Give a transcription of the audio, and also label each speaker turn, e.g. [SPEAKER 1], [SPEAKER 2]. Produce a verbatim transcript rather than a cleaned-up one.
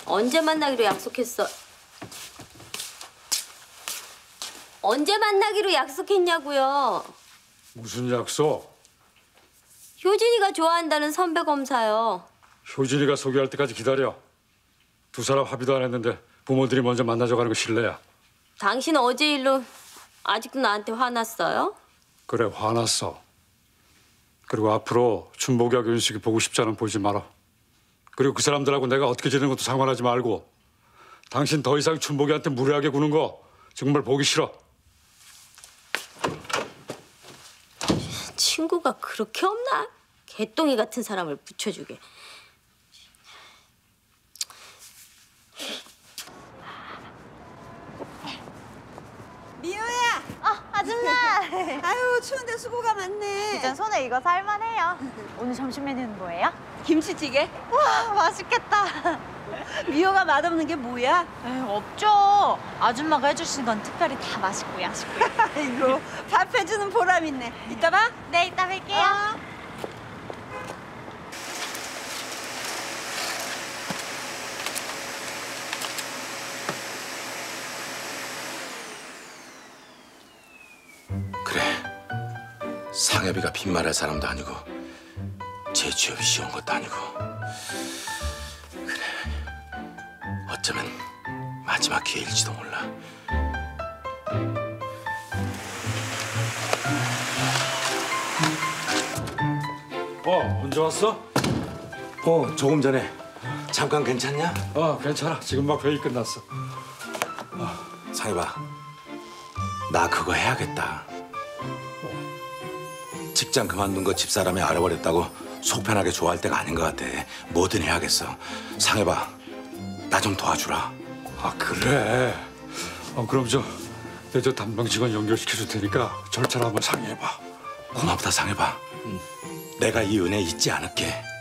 [SPEAKER 1] 언제 만나기로 약속했어? 언제 만나기로 약속했냐고요?
[SPEAKER 2] 무슨 약속?
[SPEAKER 1] 효진이가 좋아한다는 선배 검사요.
[SPEAKER 2] 효진이가 소개할 때까지 기다려. 두 사람 합의도 안 했는데 부모들이 먼저 만나자고 하는 거 실례야.
[SPEAKER 1] 당신 어제 일로 아직도 나한테 화났어요?
[SPEAKER 2] 그래, 화났어. 그리고 앞으로 춘복이하고 윤식이 보고 싶지 않으면 보지 마라. 그리고 그 사람들하고 내가 어떻게 지내는 것도 상관하지 말고 당신 더 이상 춘복이한테 무례하게 구는 거 정말 보기 싫어.
[SPEAKER 1] 친구가 그렇게 없나? 개똥이 같은 사람을 붙여주게.
[SPEAKER 3] 미호야!
[SPEAKER 4] 어, 아줌마!
[SPEAKER 3] 아유, 추운데 수고가 많네.
[SPEAKER 4] 이젠 손에 익어서 할만해요. 오늘 점심 메뉴는 뭐예요?
[SPEAKER 3] 김치찌개?
[SPEAKER 4] 와, 맛있겠다.
[SPEAKER 3] 미호가 맛없는 게 뭐야?
[SPEAKER 4] 에이, 없죠. 아줌마가 해주신 건 특별히 다 맛있고 야식고요.
[SPEAKER 3] 아이고, 밥 해주는 보람 있네. 이따 봐.
[SPEAKER 4] 네, 이따 뵐게요.
[SPEAKER 3] 어.
[SPEAKER 5] 그래, 상엽이가 빈말할 사람도 아니고 제 취업이 쉬운 것도 아니고 그래, 어쩌면 마지막 기회일지도 몰라.
[SPEAKER 2] 어, 언제 왔어?
[SPEAKER 5] 어, 조금 전에. 잠깐 괜찮냐?
[SPEAKER 2] 어, 괜찮아. 지금 막 회의 끝났어.
[SPEAKER 5] 상엽아, 나 그거 해야겠다. 직장 그만둔 거 집사람이 알아버렸다고 속 편하게 좋아할 때가 아닌 것 같아. 뭐든 해야겠어. 상엽아, 나 좀 도와주라.
[SPEAKER 2] 아, 그래. 어, 그럼 저, 내 저 담당 직원 연결시켜줄 테니까 절차를 한번 상의해봐.
[SPEAKER 5] 고맙다, 상엽아. 내가 이 은혜 잊지 않을게.